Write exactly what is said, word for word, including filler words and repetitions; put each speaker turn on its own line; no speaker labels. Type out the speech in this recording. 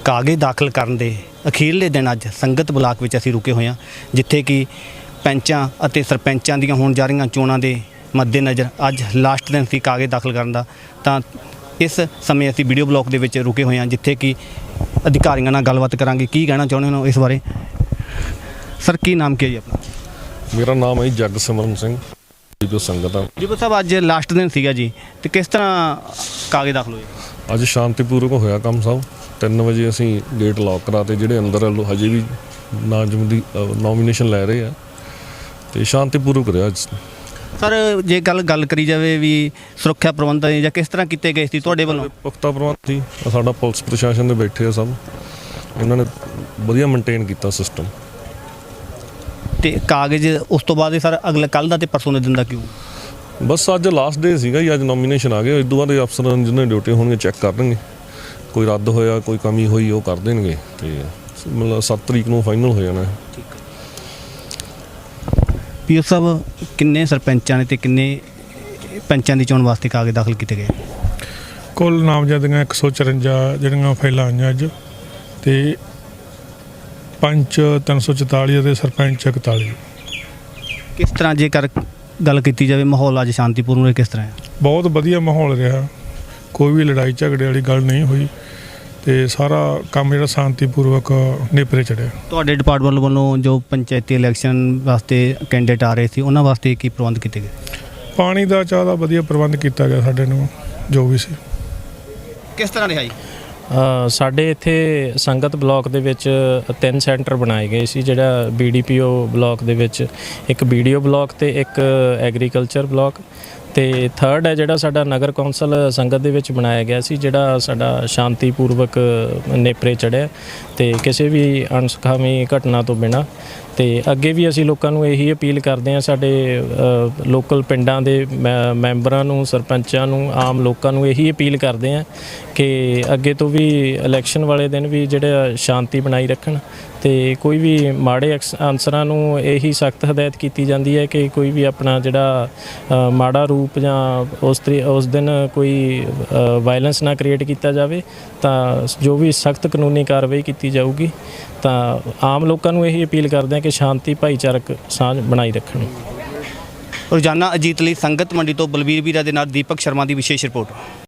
ਕਾਗਜ਼ ਦਾਖਲ ਕਰਨ ਦੇ ਅਖੀਰਲੇ ਦਿਨ ਅੱਜ ਸੰਗਤ ਬਲਾਕ ਵਿੱਚ ਅਸੀਂ ਰੁਕੇ ਹੋਏ ਹਾਂ, ਜਿੱਥੇ ਕਿ ਪੈਂਚਾਂ ਅਤੇ ਸਰਪੰਚਾਂ ਦੀਆਂ ਹੋਣ ਜਾ ਰਹੀਆਂ ਚੋਣਾਂ ਦੇ ਮੱਦੇਨਜ਼ਰ ਅੱਜ ਲਾਸਟ ਦਿਨ ਸੀ ਕਾਗਜ਼ ਦਾਖਲ ਕਰਨ ਦਾ। ਤਾਂ ਇਸ ਸਮੇਂ ਅਸੀਂ ਵੀਡੀਓ ਬਲਾਕ ਦੇ ਵਿੱਚ ਰੁਕੇ ਹੋਏ ਹਾਂ, ਜਿੱਥੇ ਕਿ ਅਧਿਕਾਰੀਆਂ ਨਾਲ ਗੱਲਬਾਤ ਕਰਾਂਗੇ, ਕੀ ਕਹਿਣਾ ਚਾਹੁੰਦੇ ਹੋ ਇਸ ਬਾਰੇ। ਸਰ, ਕੀ ਨਾਮ ਕੀ ਹੈ ਜੀ ਆਪਣਾ?
ਮੇਰਾ ਨਾਮ ਹੈ ਜਗਸਿਮਰਨ ਸਿੰਘ ਜੋ ਸੰਗਤ ਆ
ਜੀ ਸਾਹਿਬ, ਅੱਜ ਲਾਸਟ ਦਿਨ ਸੀਗਾ ਜੀ, ਤੇ ਕਿਸ ਤਰ੍ਹਾਂ ਕਾਗਜ਼ ਦਾਖਲ ਹੋਏ?
ਅੱਜ ਸ਼ਾਂਤੀਪੂਰਵਕ ਹੋਇਆ ਕੰਮ ਸਭ। ਤਿੰਨ ਵਜੇ ਅਸੀਂ ਗੇਟ ਲੌਕ ਕਰਾਤੇ, ਜਿਹੜੇ ਅੰਦਰ ਹਜੇ ਵੀ ਨਾਮਜ਼ਦ ਦੀ ਨੋਮੀਨੇਸ਼ਨ ਲੈ ਰਹੇ ਆ, ਤੇ ਸ਼ਾਂਤੀਪੂਰਵਕ ਰਿਹਾ ਅੱਜ।
ਸਰ, ਜੇ ਗੱਲ ਗੱਲ ਕਰੀ ਜਾਵੇ ਵੀ ਸੁਰੱਖਿਆ ਪ੍ਰਬੰਧ ਜਾਂ ਕਿਸ ਤਰ੍ਹਾਂ ਕੀਤੇ ਗਏ ਸੀ ਤੁਹਾਡੇ ਵੱਲੋਂ?
ਪੁਖਤਾ ਪ੍ਰਬੰਧ ਸੀ, ਸਾਡਾ ਪੁਲਿਸ ਪ੍ਰਸ਼ਾਸਨ ਦੇ ਬੈਠੇ ਆ ਸਭ, ਇਹਨਾਂ ਨੇ ਵਧੀਆ ਮੇਨਟੇਨ ਕੀਤਾ ਸਿਸਟਮ।
ਤੇ ਕਾਗਜ਼ ਉਸ ਤੋਂ ਬਾਅਦ ਸਰ ਅਗਲੇ ਕੱਲ੍ਹ ਦਾ ਤੇ ਪਰਸੋਂ ਦੇ ਦਿਨ ਦਾ ਕਿਉਂ?
ਬਸ ਅੱਜ ਲਾਸਟ ਡੇ ਸੀਗਾ ਜੀ, ਅੱਜ ਨੋਮੀਨੇਸ਼ਨ ਆ ਗਏ। ਇਸ ਤੋਂ ਬਾਅਦ ਅਫਸਰ ਜਿਹਨਾਂ ਡਿਊਟੀ ਹੋਣਗੇ ਚੈੱਕ ਕਰਨਗੇ, ਕੋਈ ਰੱਦ ਹੋਇਆ ਕੋਈ ਕਮੀ ਹੋਈ ਉਹ ਕਰ ਦੇਣਗੇ, ਤੇ ਮਤਲਬ ਸੱਤ ਤਰੀਕ ਨੂੰ ਫਾਈਨਲ ਹੋ ਜਾਣਾ।
ਪੀਓ ਸਾਹਿਬ, ਕਿੰਨੇ ਸਰਪੰਚਾਂ ਨੇ ਤੇ ਕਿੰਨੇ ਪੰਚਾਂ ਦੀ ਚੋਣ ਵਾਸਤੇ ਕਾਗਜ਼ ਦਾਖਲ ਕੀਤੇ ਗਏ?
ਕੁੱਲ ਨਾਮਜ਼ਦਗੀਆਂ ਇੱਕ ਸੌ ਚੁਰੰਜਾ ਜਿਹੜੀਆਂ ਫਾਈਲਾਂ ਆਈਆਂ ਅੱਜ, ਤੇ ਪੰਚ ਤਿੰਨ ਸੌ ਚੁਤਾਲੀ ਅਤੇ ਸਰਪੰਚ ਇਕਤਾਲੀ।
ਕਿਸ ਤਰ੍ਹਾਂ ਜੇਕਰ ਗੱਲ ਕੀਤੀ ਜਾਵੇ ਮਾਹੌਲ ਅੱਜ ਸ਼ਾਂਤੀਪੂਰਨ ਰਿਹਾ, ਕਿਸ ਤਰ੍ਹਾਂ ਹੈ?
ਬਹੁਤ ਵਧੀਆ ਮਾਹੌਲ ਰਿਹਾ, ਕੋਈ ਵੀ ਲੜਾਈ ਝਗੜੇ ਵਾਲੀ ਗੱਲ ਨਹੀਂ ਹੋਈ, ਤੇ ਸਾਰਾ ਕੰਮ ਜਿਹੜਾ ਸ਼ਾਂਤੀਪੂਰਵਕ ਨੇਪਰੇ ਚੜਿਆ।
ਤੁਹਾਡੇ ਡਿਪਾਰਟਮੈਂਟ ਵੱਲੋਂ ਜੋ ਪੰਚਾਇਤੀ ਇਲੈਕਸ਼ਨ ਵਾਸਤੇ ਕੈਂਡੀਡੇਟ ਆ ਰਹੇ ਸੀ, ਉਹਨਾਂ ਵਾਸਤੇ ਕੀ ਪ੍ਰਬੰਧ ਕੀਤੇ ਗਏ?
ਪਾਣੀ ਦਾ ਚਾਹ ਦਾ ਵਧੀਆ ਪ੍ਰਬੰਧ ਕੀਤਾ ਗਿਆ ਸਾਡੇ ਨੂੰ, ਜੋ ਵੀ ਸੀ।
ਕਿਸ ਤਰ੍ਹਾਂ ਰਿਹਾ ਜੀ?
ਸਾਡੇ ਇੱਥੇ ਸੰਗਤ ਬਲਾਕ ਦੇ ਵਿੱਚ ਤਿੰਨ ਸੈਂਟਰ ਬਣਾਏ ਗਏ ਸੀ, ਜਿਹੜਾ B D P O block ਦੇ ਵਿੱਚ ਇੱਕ ਬੀ ਡੀ ਓ ਬਲਾਕ ਤੇ ਇੱਕ ਐਗਰੀਕਲਚਰ ਬਲਾਕ, ਤੇ ਥਰਡ ਹੈ ਜਿਹੜਾ ਸਾਡਾ ਨਗਰ ਕੌਂਸਲ ਸੰਗਤ ਦੇ ਵਿੱਚ ਬਣਾਇਆ ਗਿਆ ਸੀ, ਜਿਹੜਾ ਸਾਡਾ ਸ਼ਾਂਤੀਪੂਰਵਕ ਨੇਪਰੇ ਚੜ੍ਹਿਆ ਤੇ ਕਿਸੇ ਵੀ ਅਣਸੁਖਾਵੀਂ ਘਟਨਾ ਤੋਂ ਬਿਨਾਂ। ਤੇ ਅੱਗੇ ਵੀ ਅਸੀਂ ਲੋਕਾਂ ਨੂੰ ਇਹੀ ਅਪੀਲ ਕਰਦੇ ਹਾਂ, ਸਾਡੇ ਲੋਕਲ ਪਿੰਡਾਂ ਦੇ ਮੈ ਮੈਂਬਰਾਂ ਨੂੰ, ਸਰਪੰਚਾਂ ਨੂੰ, ਆਮ ਲੋਕਾਂ ਨੂੰ ਇਹੀ ਅਪੀਲ ਕਰਦੇ ਹਾਂ ਕਿ ਅੱਗੇ ਤੋਂ ਵੀ ਇਲੈਕਸ਼ਨ ਵਾਲੇ ਦਿਨ ਵੀ ਜਿਹੜਾ ਸ਼ਾਂਤੀ ਬਣਾਈ ਰੱਖਣ, ਤੇ ਕੋਈ ਵੀ ਮਾੜੇ ਅਨਸਰਾਂ ਨੂੰ ਇਹੀ ਸਖਤ ਹਦਾਇਤ ਕੀਤੀ ਜਾਂਦੀ ਹੈ ਕਿ ਕੋਈ ਵੀ ਆਪਣਾ ਜਿਹੜਾ ਮਾੜਾ ਰੂਪ ਜਾਂ ਉਸ ਤਰੀ ਉਸ ਦਿਨ ਕੋਈ ਵਾਇਲੈਂਸ ਨਾ ਕ੍ਰੀਏਟ ਕੀਤਾ ਜਾਵੇ, ਤਾਂ ਜੋ ਵੀ ਸਖਤ ਕਾਨੂੰਨੀ ਕਾਰਵਾਈ ਕੀਤੀ ਜਾਊਗੀ। ਤਾਂ ਆਮ ਲੋਕਾਂ ਨੂੰ ਇਹੀ ਅਪੀਲ ਕਰਦੇ ਹਾਂ ਕਿ ਸ਼ਾਂਤੀ ਭਾਈਚਾਰਕ ਸਾਂਝ ਬਣਾਈ ਰੱਖਣ।
ਰੋਜ਼ਾਨਾ ਅਜੀਤ ਲਈ ਸੰਗਤ ਮੰਡੀ ਤੋਂ ਬਲਬੀਰ ਵੀਰਾ ਦੇ ਨਾਲ ਦੀਪਕ ਸ਼ਰਮਾ ਦੀ ਵਿਸ਼ੇਸ਼ ਰਿਪੋਰਟ।